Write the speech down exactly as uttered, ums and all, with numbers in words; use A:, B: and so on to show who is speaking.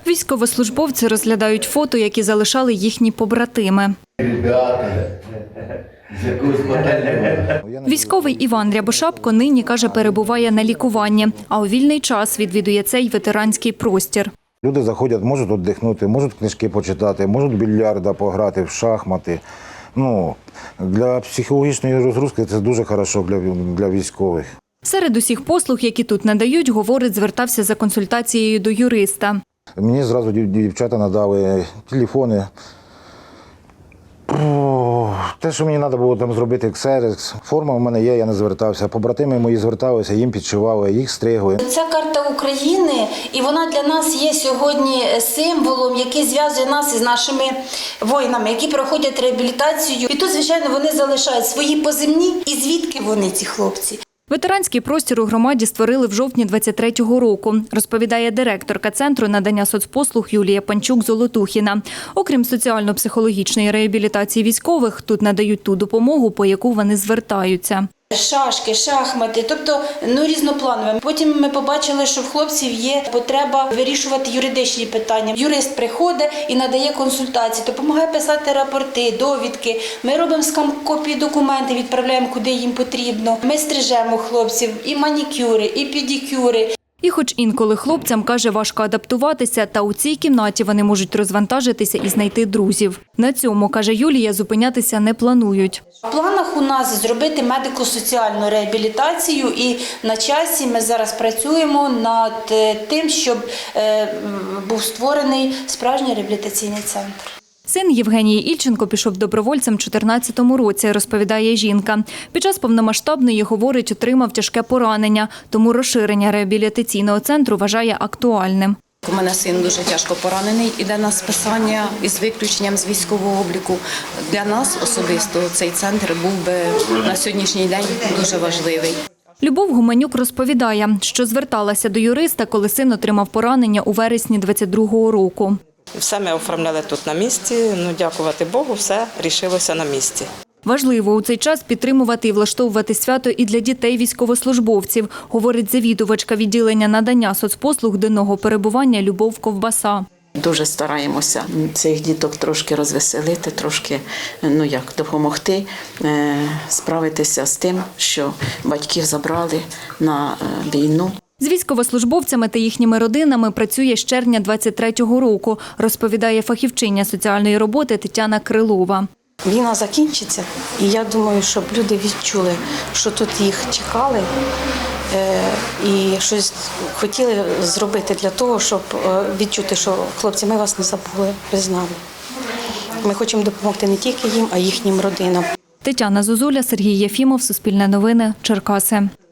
A: Військовослужбовці розглядають фото, які залишали їхні побратими. Військовий Іван Рябошапко нині, каже, перебуває на лікуванні, а у вільний час відвідує цей ветеранський простір.
B: Люди заходять, можуть віддихнути, можуть книжки почитати, можуть в більярда пограти, в шахмати. Ну, для психологічної розгрузки це дуже добре для, для військових.
A: Серед усіх послуг, які тут надають, говорить, звертався за консультацією до юриста.
B: Мені зразу дівчата надали телефони. Те, що мені треба було там зробити ксерокс, форма в мене є, я не звертався. Побратими мої зверталися, їм підшивали, їх стригли.
C: Це карта України, і вона для нас є сьогодні символом, який зв'язує нас із нашими воїнами, які проходять реабілітацію. І тут, звичайно, вони залишають свої позивні. І звідки вони, ці хлопці?
A: Ветеранський простір у громаді створили в жовтні двадцять третього року, розповідає директорка Центру надання соцпослуг Юлія Панчук-Золотухіна. Окрім соціально-психологічної реабілітації військових, тут надають ту допомогу, по яку вони звертаються.
C: Шашки, шахмати, тобто ну, різнопланове. Потім ми побачили, що в хлопців є потреба вирішувати юридичні питання. Юрист приходить і надає консультації, допомагає писати рапорти, довідки. Ми робимо скан-копії документів, відправляємо, куди їм потрібно. Ми стрижемо хлопців і манікюри, і педикюри.
A: І хоч інколи хлопцям, каже, важко адаптуватися, та у цій кімнаті вони можуть розвантажитися і знайти друзів. На цьому, каже Юлія, зупинятися не планують.
C: В планах у нас зробити медико-соціальну реабілітацію, і на часі ми зараз працюємо над тим, щоб був створений справжній реабілітаційний центр.
A: Син Євгенії Ільченко пішов добровольцем у дві тисячі чотирнадцятому році, розповідає жінка. Під час повномасштабної, говорить, отримав тяжке поранення, тому розширення реабілітаційного центру вважає актуальним.
D: У мене син дуже тяжко поранений, іде на списання із виключенням з військового обліку. Для нас особисто цей центр був би на сьогоднішній день дуже важливий.
A: Любов Гуменюк розповідає, що зверталася до юриста, коли син отримав поранення у вересні двадцять другого року.
E: Все ми оформляли тут на місці, ну, дякувати Богу, все рішилося на місці.
A: Важливо у цей час підтримувати і влаштовувати свято і для дітей військовослужбовців, говорить завідувачка відділення надання соцпослуг денного перебування Любов Ковбаса.
F: Дуже стараємося цих діток трошки розвеселити, трошки, ну як, допомогти е, справитися з тим, що батьків забрали на війну.
A: З військовослужбовцями та їхніми родинами працює з червня двадцять третього року, розповідає фахівчиня соціальної роботи Тетяна Крилова.
G: Війна закінчиться, і я думаю, щоб люди відчули, що тут їх чекали і щось хотіли зробити для того, щоб відчути, що хлопці, ми вас не забули, ви з нами. Ми хочемо допомогти не тільки їм, а й їхнім родинам.
A: Тетяна Зозуля, Сергій Єфімов, Суспільне новини, Черкаси.